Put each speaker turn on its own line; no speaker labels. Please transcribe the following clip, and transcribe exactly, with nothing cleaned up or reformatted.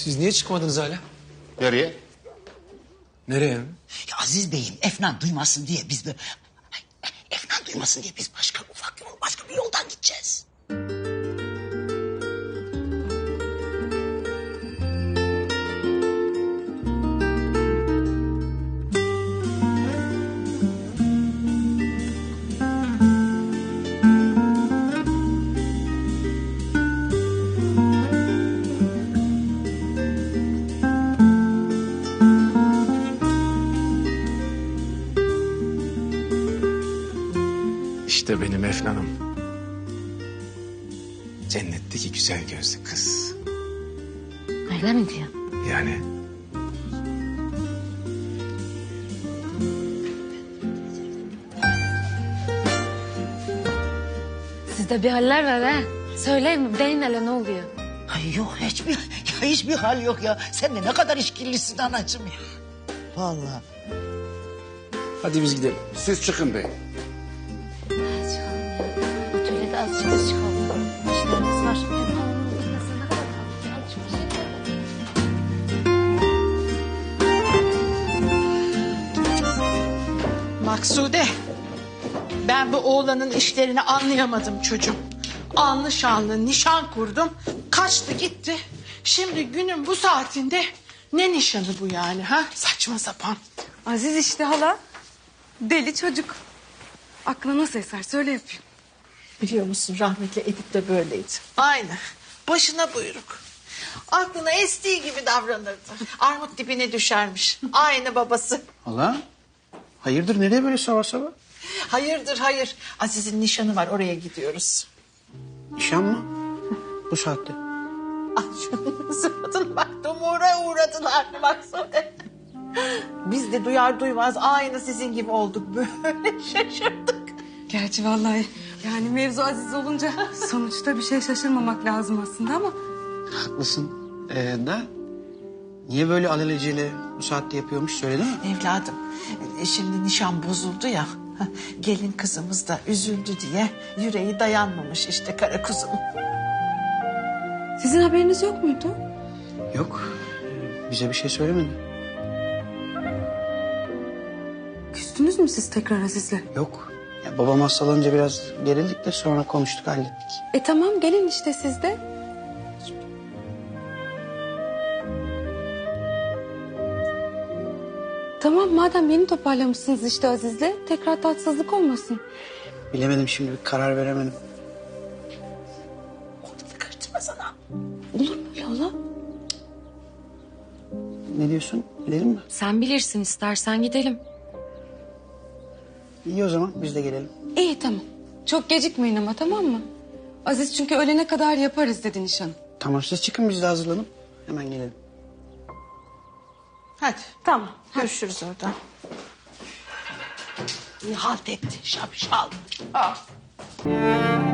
Siz niye çıkmadınız hala?
Nereye?
Nereye mi?
Ya Aziz Bey'im Efnan duymasın diye biz de... Ay, Efnan duymasın diye biz başka ufak yol, başka bir yoldan gideceğiz.
İşte benim Efnan'ım. Cennetteki güzel gözlü kız.
Öyle mi diyor?
Yani
Sizde bir haller var ha. Söyleyin mi? Deyin hele ne oluyor?
Ay yok hiçbir, ya hiçbir hal yok ya. Sen de ne kadar işkillisin anacığım ya. Vallahi.
hadi biz gidelim.
Siz çıkın bey.
Çıkalım ya. Atölyede azıcık biz çıkalım. İşlerimiz var. Hem havanın gitmesine ne kadar kaldı? Azıcık bir şey yapalım.
Maksude, ben bu oğlanın işlerini anlayamadım çocuğum. Anlı şanlı nişan kurdum, kaçtı gitti. Şimdi günün bu saatinde ne nişanı bu yani ha? Saçma sapan.
Aziz işte hala. Deli çocuk. Aklına nasıl eser söyle yapayım.
Biliyor musun rahmetli Edip de böyleydi. Aynı, başına buyruk. Aklına estiği gibi davranırdı. Armut dibine düşermiş. Aynı babası.
Hala? Hayırdır nereye böyle sabah sabah?
Hayırdır hayır. Aziz'in nişanı var, oraya gidiyoruz.
Nişan mı? Bu saatte.
Ay şunun suratına bak, dumura uğradılar Maksude. Biz de duyar duymaz aynı sizin gibi olduk. Böyle şaşırdık.
Gerçi vallahi yani mevzu Aziz olunca sonuçta bir şey şaşırmamak lazım aslında ama...
Haklısın. Ee, da niye böyle alelacele bu saatte yapıyormuş söyledi mi?
Evladım, e, şimdi nişan bozuldu ya. hah, Gelin kızımız da üzüldü diye yüreği dayanmamış işte kara kuzum.
Sizin haberiniz yok muydu?
Yok. ee, Bize bir şey söylemedi.
Küstünüz mü siz tekrar Aziz'le?
Yok. Ya, babam hastalanınca biraz gerildik de sonra konuştuk hallettik.
E tamam gelin işte siz de. Tamam madem yeni toparlamışsınız işte Aziz'le tekrar tatsızlık olmasın.
Bilemedim şimdi bir karar veremedim.
Ortalığı karıştırma sana.
Olur mu öyle hala?
Ne diyorsun? Gidelim mi?
Sen bilirsin, istersen gidelim.
İyi o zaman biz de gelelim.
İyi tamam. Çok gecikmeyin ama tamam mı? Aziz çünkü ölene kadar yaparız dedi nişanı.
Tamam siz çıkın biz de hazırlanıp hemen gelelim.
Hadi.
Tamam.
Görüşürüz orada. İyi halt etti şapşal. Ah.